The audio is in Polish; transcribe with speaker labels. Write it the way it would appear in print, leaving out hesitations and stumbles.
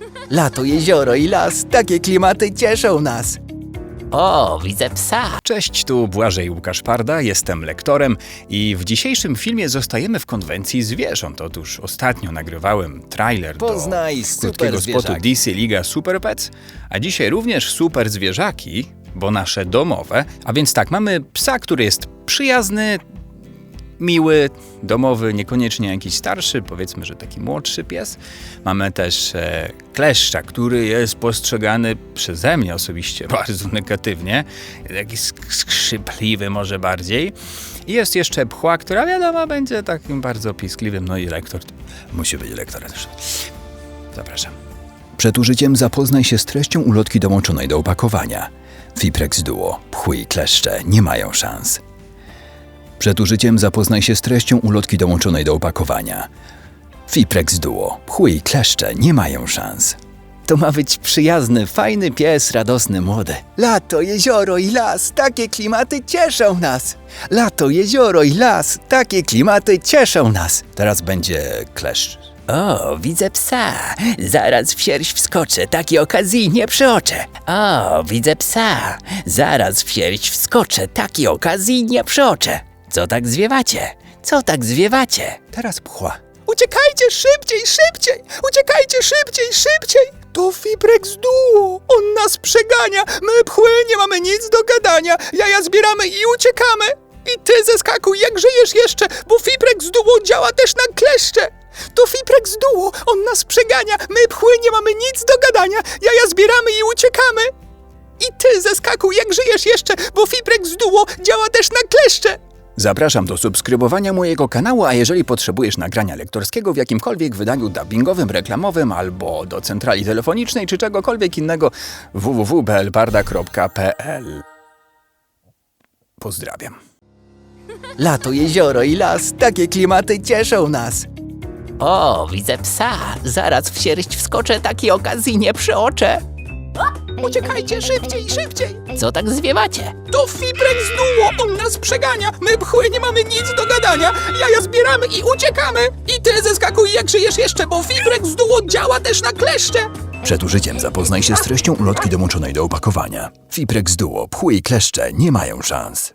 Speaker 1: Lato, jezioro i las, takie klimaty cieszą nas.
Speaker 2: O, widzę psa.
Speaker 3: Cześć, tu Błażej Łukasz Parda, jestem lektorem i w dzisiejszym filmie zostajemy w konwencji zwierząt. Otóż ostatnio nagrywałem trailer
Speaker 1: Poznaj
Speaker 3: do
Speaker 1: super
Speaker 3: krótkiego spotu
Speaker 1: zwierzaki.
Speaker 3: DC Liga Super Pets, a dzisiaj również super zwierzaki, bo nasze domowe. A więc tak, mamy psa, który jest przyjazny, miły, domowy, niekoniecznie jakiś starszy, powiedzmy, że taki młodszy pies. Mamy też kleszcza, który jest postrzegany przeze mnie osobiście bardzo negatywnie, taki skrzypliwy może bardziej. I jest jeszcze pchła, która wiadomo będzie takim bardzo piskliwym, no i lektor, musi być lektorem też. Zapraszam.
Speaker 1: Przed użyciem zapoznaj się z treścią ulotki dołączonej do opakowania. Fiprex Duo, pchły i kleszcze nie mają szans. Przed użyciem zapoznaj się z treścią ulotki dołączonej do opakowania. Fiprex Duo, pchły i kleszcze nie mają szans. To ma być przyjazny, fajny pies, radosny, młody. Lato, jezioro i las, takie klimaty cieszą nas. Lato, jezioro i las, takie klimaty cieszą nas. Teraz będzie kleszcz.
Speaker 2: O, widzę psa. Zaraz w sierść wskoczę, takiej okazji nie przeoczę. O, widzę psa. Zaraz w sierść wskoczę, takiej okazji nie przeoczę. Co tak zwiewacie? Co tak zwiewacie?
Speaker 1: Teraz pchła.
Speaker 4: Uciekajcie szybciej, szybciej! Uciekajcie szybciej, szybciej! To Fiprex Duo! On nas przegania! My pchły nie mamy nic do gadania! Jaja zbieramy i uciekamy! I ty zeskakuj, jak żyjesz jeszcze, bo Fiprex Duo działa też na kleszcze! To Fiprex Duo! On nas przegania! My pchły nie mamy nic do gadania! Jaja zbieramy i uciekamy! I ty zeskakuj, jak żyjesz jeszcze, bo Fiprex Duo działa też na kleszcze!
Speaker 3: Zapraszam do subskrybowania mojego kanału, a jeżeli potrzebujesz nagrania lektorskiego w jakimkolwiek wydaniu dubbingowym, reklamowym albo do centrali telefonicznej czy czegokolwiek innego, www.blparda.pl. Pozdrawiam.
Speaker 1: Lato, jezioro i las, takie klimaty cieszą nas.
Speaker 2: O, widzę psa. Zaraz w sierść wskoczę, takiej okazji nie przeoczę.
Speaker 4: Uciekajcie szybciej, szybciej!
Speaker 2: Co tak zwiewacie?
Speaker 4: To Fiprex Duo! On nas przegania! My pchły nie mamy nic do gadania! Jaja zbieramy i uciekamy! I ty zeskakuj, jak żyjesz jeszcze, bo Fiprex Duo działa też na kleszcze!
Speaker 1: Przed użyciem zapoznaj się z treścią ulotki dołączonej do opakowania. Fiprex Duo, pchły i kleszcze nie mają szans.